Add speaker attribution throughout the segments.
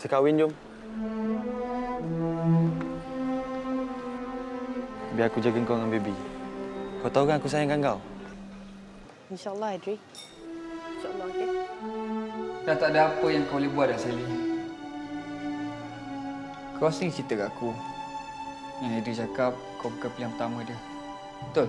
Speaker 1: Kita kahwin, jom. Biar aku jaga kau dengan baby. Kau tahu kan aku sayangkan kau?
Speaker 2: InsyaAllah, Adri. InsyaAllah, okey?
Speaker 3: Dah tak ada apa yang kau boleh buat dah, Sally. Kau sering cerita kat aku yang Adri cakap kau bukan pilihan pertama dia. Betul?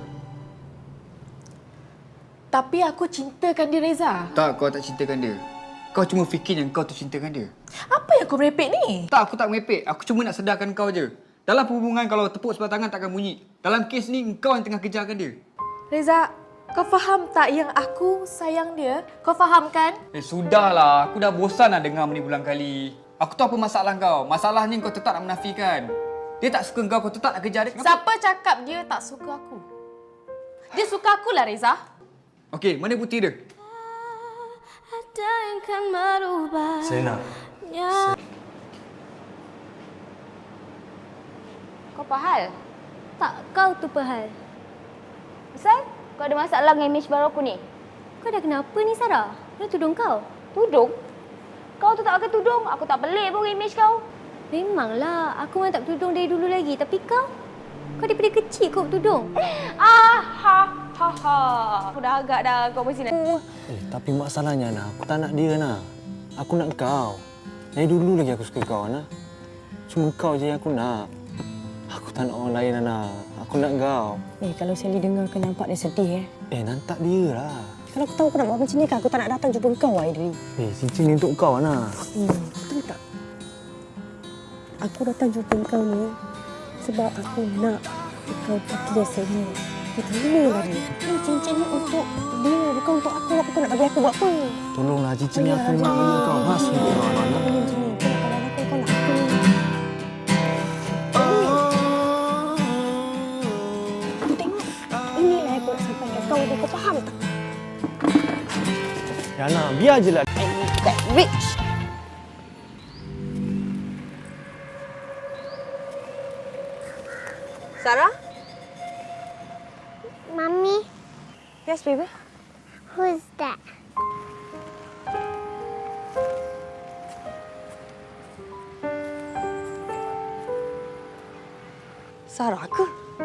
Speaker 4: Tapi aku cintakan dia, Reza.
Speaker 3: Tak, kau tak cintakan dia. Kau cuma fikir yang kau tu cintakan dia.
Speaker 4: Apa yang kau merepek ni?
Speaker 3: Tak, aku tak merepek. Aku cuma nak sedarkan kau je. Dalam hubungan kalau tepuk sebelah tangan takkan bunyi. Dalam kes ni, kau yang tengah kejarkan dia.
Speaker 4: Reza, kau faham tak yang aku sayang dia? Kau faham kan?
Speaker 3: Sudahlah. Aku dah bosan nak dengar ni berulang kali. Aku tahu apa masalah kau. Masalahnya kau tetap nak menafikan. Dia tak suka kau tetap nak kejar dia. Kenapa?
Speaker 4: Siapa cakap dia tak suka aku? Dia suka aku lah, Reza.
Speaker 3: Okey, mana bukti dia?
Speaker 1: Serena.
Speaker 5: Kau Pahal? Tak, kau tu Pahal. Asal? Kau ada masalah dengan image baru aku ni? Kau dah kenapa ni, Sarah? Mana tudung kau? Tudung? Kau tu tak pakai tudung. Aku tak pelik pun image kau. Memanglah. Aku memang tak bertudung dari dulu lagi. Tapi kau? Kau daripada kecil kau bertudung.
Speaker 4: Aku dah agak dah kau mesti nak.
Speaker 1: Tapi masalahnya, Ana, aku tak nak dia, Ana. Aku nak kau. Dari dulu lagi aku suka kau, Ana. Cuma kau je yang aku nak. Aku tak nak orang lain, Ana. Aku nak kau.
Speaker 2: Kalau Sally dengar kau nampak dia sedih,
Speaker 1: Nantak dia lah.
Speaker 2: Kalau aku tahu aku nak buat macam ni kan, aku tak nak datang jumpa kau, Adri.
Speaker 1: Cincin ni untuk kau, Ana.
Speaker 2: Betul tak? Aku datang jumpa kau ni sebab aku nak kau pergi Sally. Kita ni lagi. Ni cincin ni untuk dia, bukan untuk aku. Apa kau nak bagi aku buat apa?
Speaker 1: Tolonglah, cincin ni aku nak bagi kau. Mas untuk kau, Ana.
Speaker 2: Kau macam ni. Kau nak aku, kau nak aku. Kau tengok. Inilah yang aku nak sampaikan kau. Kau faham tak?
Speaker 1: Ya, Ana, biar je lah.
Speaker 2: I need that rich. Sarah?
Speaker 6: Mommy,
Speaker 2: Yes, baby?
Speaker 6: who's that?
Speaker 2: Sarah ke?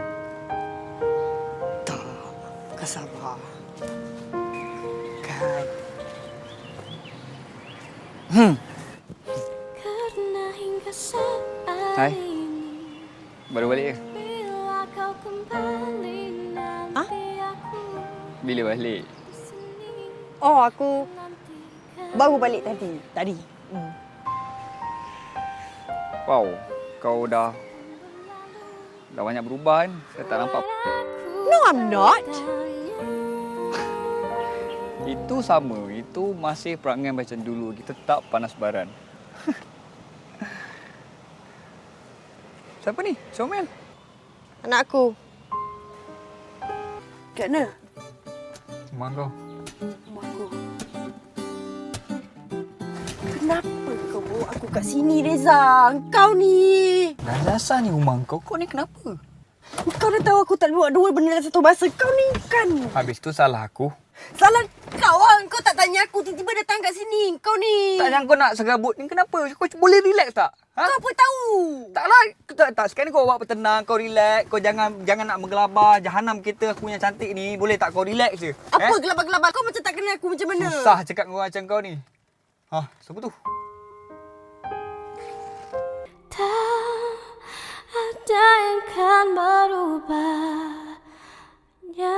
Speaker 2: Tak, bukan Sarah. Kan.
Speaker 3: Hai. Baru balik ke?
Speaker 2: Ha?
Speaker 3: Bila balik?
Speaker 2: Oh, aku baru balik tadi.
Speaker 3: Wow, kau dah banyak berubah kan? Saya tak nampak.
Speaker 2: No, I'm not.
Speaker 3: Itu sama. Itu masih perangai macam dulu. Kita tetap panas baran. Siapa ni? Comel?
Speaker 2: Anak aku. Kat mana?
Speaker 3: Rumah kau.
Speaker 2: Rumah aku. Kenapa kau bawa aku kat sini, Reza? Kau ni.
Speaker 3: Dah dasar ni rumah kau. Kau ni kenapa?
Speaker 2: Kau dah tahu aku tak buat dua benda dalam satu masa. Kau ni kan.
Speaker 3: Habis tu salah aku.
Speaker 2: Salah kau lah. Kau tak tanya aku. Tiba-tiba datang kat sini. Kau ni.
Speaker 3: Tak yang kau nak serabut ni kenapa? Kau boleh relax tak? Ha?
Speaker 2: Kau apa tahu?
Speaker 3: Taklah. Tak. Sekarang ni kau buat tenang. Kau relax. Kau jangan nak menggelabah. Jahanam kita aku yang cantik ni. Boleh tak kau relax je?
Speaker 2: Apa gelabah-gelabah? Kau macam tak kenal aku macam mana?
Speaker 3: Susah cakap dengan orang macam kau ni. Siapa tu?
Speaker 5: Tak ada yang kan berubahnya.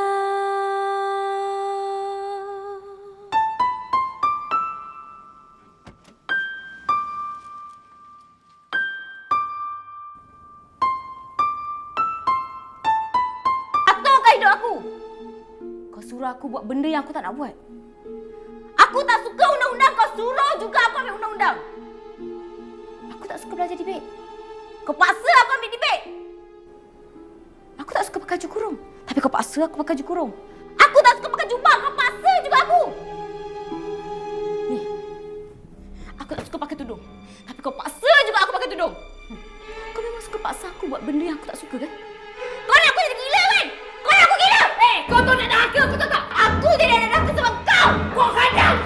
Speaker 5: Aturkan hidup aku. Kau suruh aku buat benda yang aku tak nak buat. Aku tak suka undang-undang. Kau suruh juga aku ambil undang-undang. Aku tak suka belajar debate. Kau paksa aku ambil debate. Aku tak suka pakai baju kurung. Tapi kau paksa aku pakai baju kurung. Aku tak suka pakai jubah. Kau paksa juga aku. Ni. Aku tak suka pakai tudung. Tapi kau paksa juga aku pakai tudung. Kau memang suka paksa aku buat benda yang aku tak suka kan? Kau nak aku jadi gila kan? Kau nak aku gila? Kau tu nak dah aku tahu tak? Aku jadi anak aku sebab kau. Kau hadang